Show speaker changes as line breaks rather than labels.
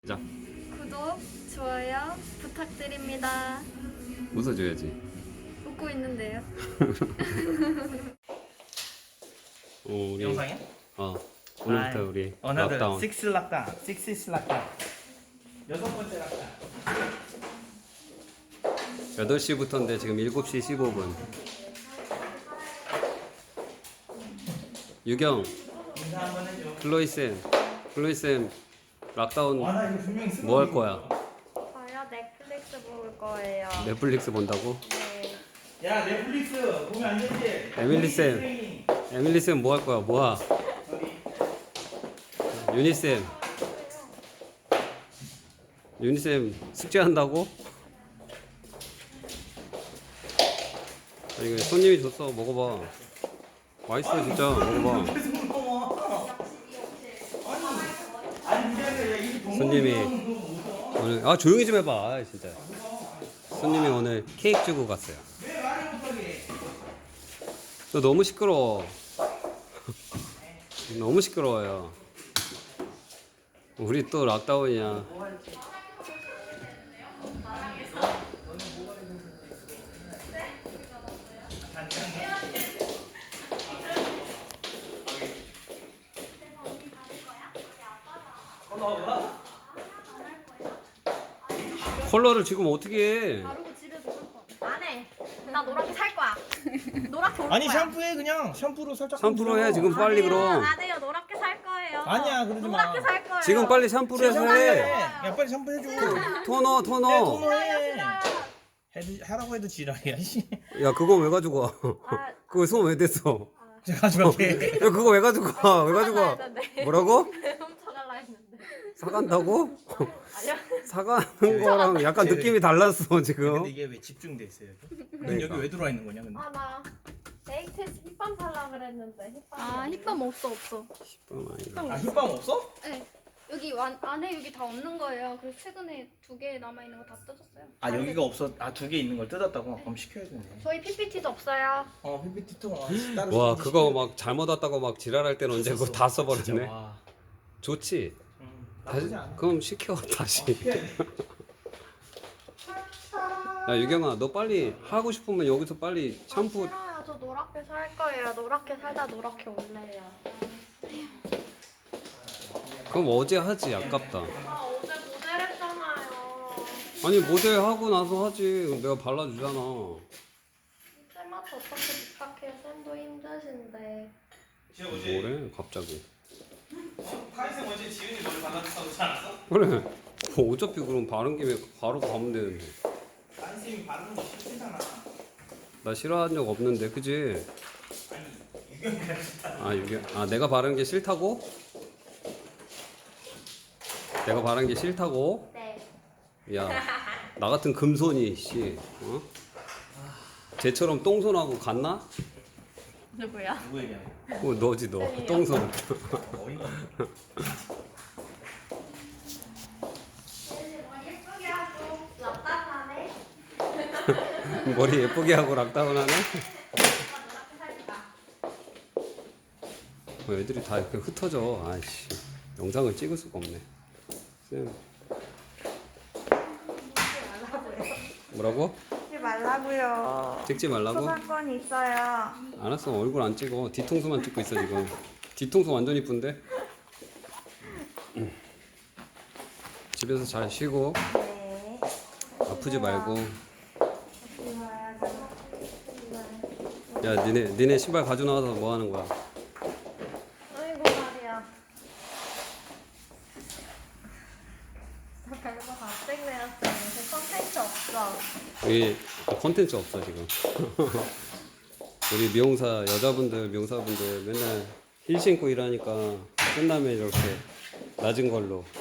자,
구독, 좋아요 부탁드립니다.
웃어줘야지.
웃고 있는데요.
우리
영상이야?
오늘부터 우리
어나더
락다운.
6 락다운 6 락다운 여섯 번째 락다운
8시부터인데 지금 7시 15분. 유경,
인사 한번 해줘.
플로이쌤 락다운
와나 이거 분명히 쓰고
뭐 할 거야?
저요 넷플릭스 볼 거예요.
넷플릭스 본다고?
네.
야 넷플릭스 보면 안 되지.
에밀리쌤. 에밀리쌤 뭐 할 거야? 뭐야? 유니쌤. 유니쌤 숙제한다고? 아니 이거 손님이 줬어. 먹어봐. 맛있어 진짜. 먹어봐.
계속 먹어. 아니 이게 아니라 이
손님이 오늘 조용히 좀 해봐. 진짜. 손님이 오늘 케이크 주고 갔어요.
왜 말을 못하게?
너 너무 시끄러워. 너무 시끄러워요. 우리 또 락다운이야. 컬러를 지금 어떻게 해?
바르고 집에서 살 거. 안 해. 나 노랗게 살 거야. 노랗게 올
아니
거야.
샴푸해 그냥 샴푸로 살짝.
샴푸로 해 지금 빨리 그럼.
안 해요. 노랗게 살 거예요.
아니야, 그러지 마.
노랗게 살 거예요.
지금 빨리 샴푸를 해서 해.
야 빨리 샴푸 해줘.
토너.
토너해. 하라고 해도 지랄이야. 씨.
야 그거 왜 가지고 와?
아,
그거 손 왜 댔어?
제가 가져갈게.
야 그거 왜 가지고 와? 왜 가지고 와?
했는데.
뭐라고?
훔쳐갈라 했는데.
사간다고?
아니요.
사가는 거랑 약간 느낌이 달랐어 지금.
근데 이게 왜 집중돼 있어요 여기? 넌 여기 왜 들어와 있는 거냐 근데?
아, 나 데이트에서 힙밤 살라 그랬는데 힙밤.
힙밤 없어.
아 힙밤 없어?
네. 여기 안에 여기 다 없는 거예요. 그래서 최근에 2개 남아 있는 거 다 뜯었어요.
아 여기가 없어. 아 두 개 있는 걸 뜯었다고? 그럼 시켜야 되네.
저희 PPT도 없어요.
PPT 통 따로.
와
시키지.
그거 막 잘못 왔다고 막 지랄할 때는 언제 그거 다
진짜,
써버렸네.
와.
좋지. 다시
나쁘지 않아.
그럼 시켜 다시.
시켜야 돼.
야 유경아 너 빨리 하고 싶으면 여기서 빨리 샴푸.
싫어요. 저 노랗게 살 거예요. 노랗게 살다 노랗게 올래요.
그럼 어제 하지 아깝다.
아, 어제 모델 했잖아요.
아니 모델 하고 나서 하지. 내가 발라주잖아.
쌤한테 어떻게 부탁해요? 쌤도 힘드신데.
뭐래 갑자기.
카이생 어제 지은이 머리 발라줬다고 그러지 않았어?
그래. 어차피 그럼 바른 김에 바로 가면 되는데.
카이생이 바르는 거 싫잖아.
나 싫어한 적 없는데 그지? 내가 바른 게 싫다고? 내가 바른 게 싫다고?
네.
야, 나 같은 금손이 씨, 쟤처럼 똥손하고 갔나?
누구야?
누구 얘기하는 거야?
너지 너, 똥손.
어이가 없네.
머리 예쁘게 하고 랍답하네.
머리 예쁘게 하고 락다운하네.
노랗게 살까?
애들이 다 이렇게 흩어져. 아이씨, 영상을 찍을 수가 없네. 쌤, 뭐라고?
하지 말라고요.
찍지 말라고?
소방권이 있어요.
알았어, 얼굴 안 찍어. 뒤통수만 찍고 있어 지금. 뒤통수 완전 이쁜데? 집에서 잘 쉬고
네.
아프지 말고. 야, 니네 신발 가져 나와서 뭐 하는 거야?
아이고 말이야. 저 별거 다 찍네요. 제 컨텐츠 없어.
여기 컨텐츠 없어 지금. 우리 미용사분들 맨날 힐 신고 일하니까 끝나면 이렇게 낮은 걸로